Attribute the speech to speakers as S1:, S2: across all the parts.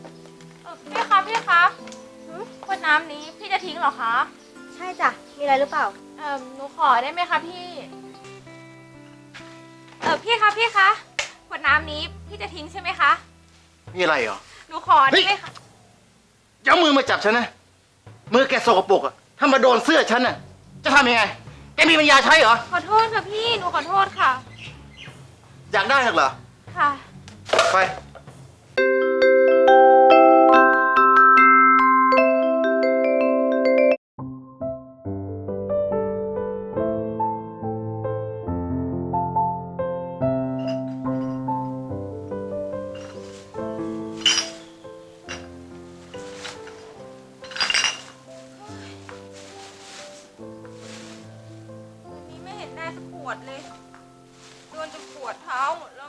S1: พี่คะขวดน้ำนี้พี่จะทิ้งเหรอคะ
S2: ใช่จ้ะมีอะไรหรือเปล่า
S1: หนูขอได้ไหมคะพี่พี่คะขวดน้ำนี้พี่จะทิ้งใช่ไหมคะ
S3: มีอะไรเหรอ
S1: หนูขอได้ไหมคะ
S3: อย่าเอามือมาจับฉันนะมือแกสกปรกอะถ้ามาโดนเสื้อฉันน่ะจะทำยังไงแกมีปัญญาใช้เหรอ
S1: ขอโทษค่ะพี่หนูขอโทษค่ะ
S3: อยากได้เหรอ
S1: ค่ะ
S3: ไป
S1: วันนี้ไม่เห็นได้สักขวดเลยโดนจนปวดเท้าหมดแล้ว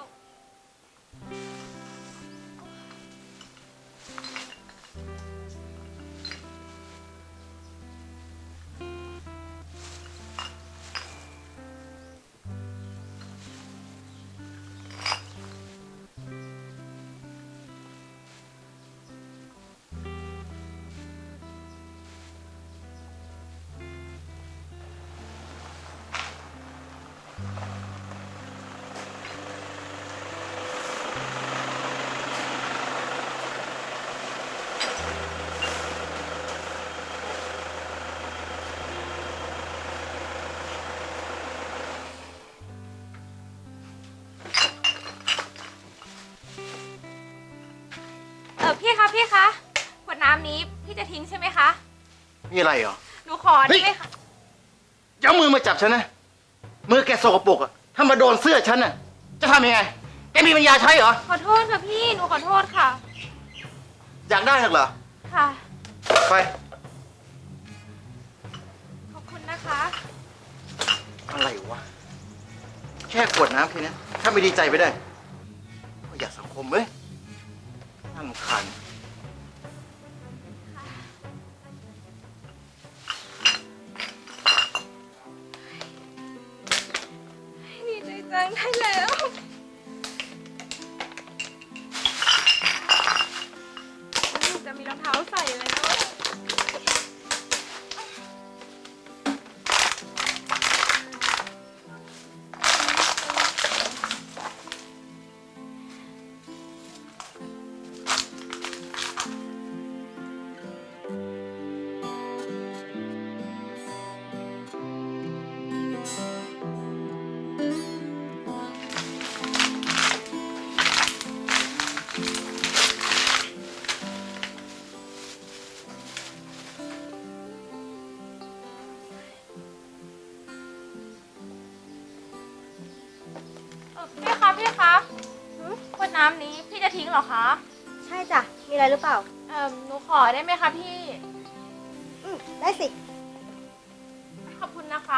S1: พี่คะขวดน้ำนี้พี่จะทิ้งใช่ไหมคะ
S3: มีอะไรเหรอ
S1: หนูขอได้ไหมคะ
S3: อย่าเอามือมาจับฉันนะมือแกสกปรกอะถ้ามาโดนเสื้อฉันน่ะจะทำยังไงแกมีปัญญาใช้เหรอ
S1: ขอโทษค่ะพี่หนูขอโทษค่ะ
S3: อยากได้เหรอ
S1: ค่ะ
S3: ไป
S1: ขอบคุณนะคะ
S3: อะไรวะแค่ขวดน้ำแค่นี้ถ้าไม่ดีใจไปได้ก็อยากสังคมเว้ยน่ารำคาญ
S1: ดีใจจังได้แล้วจะมีรองเท้าใส่แล้วพี่คะขวดน้ำนี้พี่จะทิ้งเหรอคะ
S2: ใช่จ้ะมีอะไรหรือเปล่า
S1: หนูขอได้ไหมคะพี่
S2: ได้สิ
S1: ขอบคุณนะคะ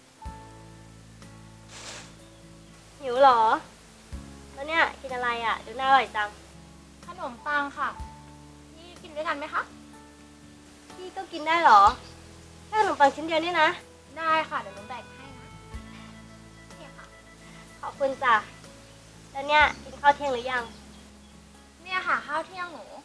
S2: หิวเหรอแล้วเนี่ยกินอะไรอ่ะดูน่าอร่อยจัง
S1: ขนมปังค่ะพี่กินด้วยกันไหมคะ
S2: พี่ก็กินได้เหรอแค่ขนมปังชิ้นเดียวนี่นะ
S1: ได้ค่ะเดี๋ยวหนูแบ่งให้นะนี่ค่ะ
S2: ขอบคุณจ้ะแล้วเนี่ยกินข้าวเที่ยงหรือยัง
S1: เนี่ยค่ะข้าวเที่ยงหนู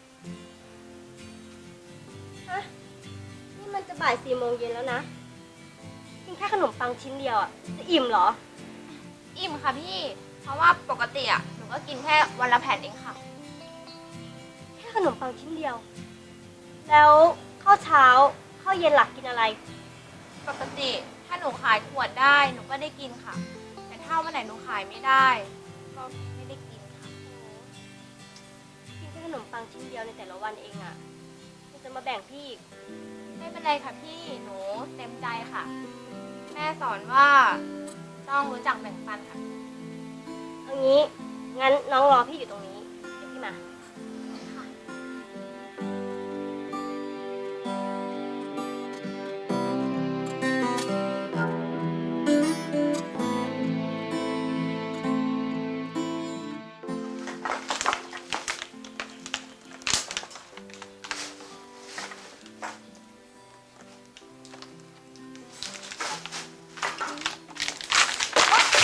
S2: ฮะนี่มันจะบ่าย4 โมงเย็นแล้วนะกินแค่ขนมปังชิ้นเดียวอ่ะจะอิ่มเหรอ
S1: อิ่มค่ะพี่เพราะว่าปกติอ่ะหนูก็กินแค่วันละแผ่นเองค่ะ
S2: แค่ขนมปังชิ้นเดียวแล้วข้าวเช้าข้าวเย็นหลักกินอะไร
S1: ปกติถ้าหนูขายขวดได้หนูก็ได้กินค่ะแต่ถ้าวันไหนหนูขายไม่ได้ก็ไม่ได้กินค่ะ
S2: กินแค่ขนมปังชิ้นเดียวในแต่ละวันเองอ่ะมันจะมาแบ่งพี่อีก
S1: ไม่เป็นไรค่ะพี่หนูเต็มใจค่ะแม่สอนว่าต้องรู้จักแบ่งปันค่ะ
S2: เอางี้งั้นน้องรอพี่อยู่ตรงนี้เดี๋ยวพี่มา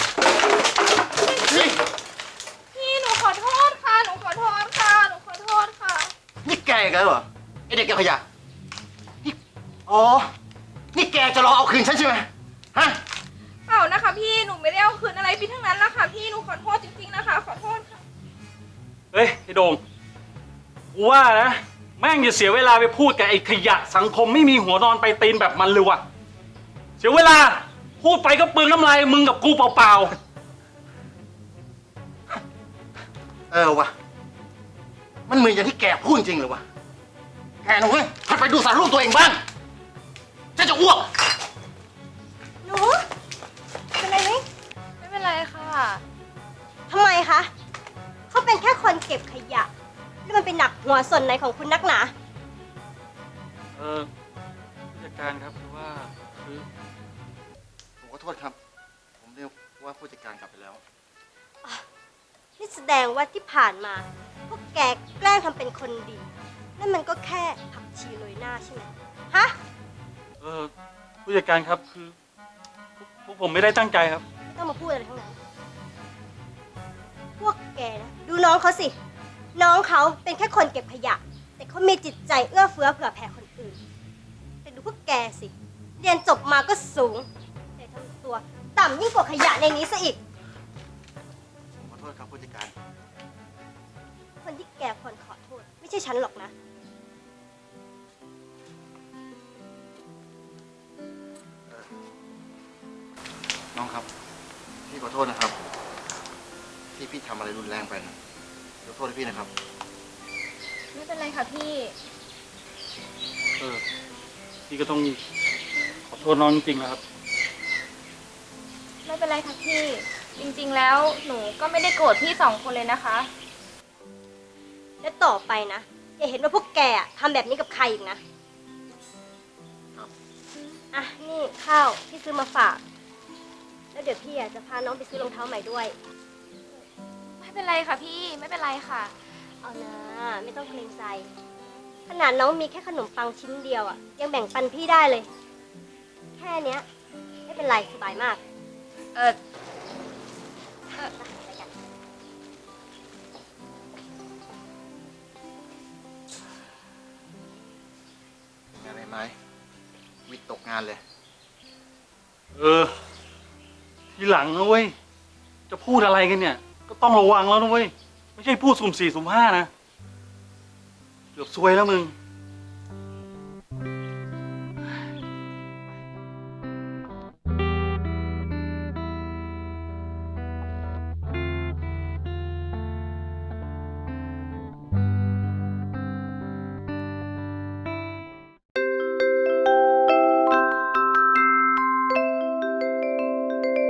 S1: พี่หนูขอโทษค่ะหนูขอโทษ
S3: อีกแล้วเหรอไอเด็กเก็บขยะนี่อ๋อ นี่แกจะรอเอาคืนฉันใช่ไหมฮะ
S1: เปล่านะคะพี่หนูไม่ได้เอาคืนอะไรพี่ทั้งนั้นละค่ะพี่หนูขอโทษจริงๆนะคะขอโทษค่ะ
S4: เฮ้ยไอ้โดงกูว่านะแม่งอย่าเสียเวลาไปพูดกับไอ้ขยะสังคมไม่มีหัวนอนไปตีนแบบมันเลยว่ะเสียเวลาพูดไปก็เปลืองน้ำลายมึงกับกูเปล่า
S3: เออวะมันเหมือนอย่างที่แกพูดจริงเลยวะแกนะเว้ยหัดไปดูสารรูปตัวเองบ้างฉันจะอ้วก
S2: หนูเป็นไรไหม
S1: ไม่เป็นไรค่ะ
S2: ทำไมคะ เขาเป็นแค่คนเก็บขยะ แล้วมันเป็นหนักหัวส่วนไหนของคุณนักหนา
S4: ๆผู้จัดการครับคือว่าคือ
S3: ผมขอโทษครับ ผมเรียกว่าผู้จัดการกลับไปแล้ว
S2: นี่แสดงว่าที่ผ่านมา พวกแกแกล้งทำเป็นคนดี นั่นมันก็แค่ผักชีโรยหน้าใช่ไหมฮะ
S4: ผู้จัดการครับคือพวกผมไม่ได้ตั้งใจครับ
S2: ไม่ต้องมาพูดอะไรทั้งนั้น พวกแกนะดูน้องเขาสิ น้องเขาเป็นแค่คนเก็บขยะ แต่เขามีจิตใจเอื้อเฟื้อเผื่อแผ่คนอื่น แต่ดูพวกแกสิ เรียนจบมาก็สูง แต่ทำตัวต่ำยิ่งกว่าขยะในนี้ซะอีก
S3: ผมขอโทษครับผู้จัดการ
S2: คนที่แกควรขอโทษ ไม่ใช่ฉันหรอกนะ
S3: น้องครับ พี่ขอโทษนะครับ ที่พี่ทำอะไรรุนแรงไปนะขอโทษให้พี่นะครับ
S1: ไม่เป็นไรค่ะพี่
S4: พี่ก็ต้องขอโทษน้องจริงๆนะครับ
S1: ไม่เป็นไรค่ะพี่ จริงๆแล้วหนูก็ไม่ได้โกรธพี่สองคนเลยนะคะ
S2: และต่อไปนะ อย่าเห็นว่าพวกแกอะทำแบบนี้กับใครอีกนะ อ่ะ นี่ข้าวที่ซื้อมาฝาก แล้วเดี๋ยวพี่อะจะพาน้องไปซื้อรองเท้าใหม่ด้วย
S1: ไม่เป็นไรค่ะพี่ไม่เป็นไรค่ะ
S2: เอานะ ไม่ต้องเกรงใจ ขนาดน้องมีแค่ขนมปังชิ้นเดียวอะยังแบ่งปันพี่ได้เลย แค่เนี้ย ไม่เป็นไรสบายมาก
S1: เออ
S2: ไปกัน
S3: งานอะไรไหมวิทย์ตกงานเลย
S4: ทีหลังนะเว้ยจะพูดอะไรกันเนี่ย ก็ต้องระวังแล้วนะเว้ยไม่ใช่พูดสุ่มสี่สุ่มห้านะเกือบซวยแล้วมึง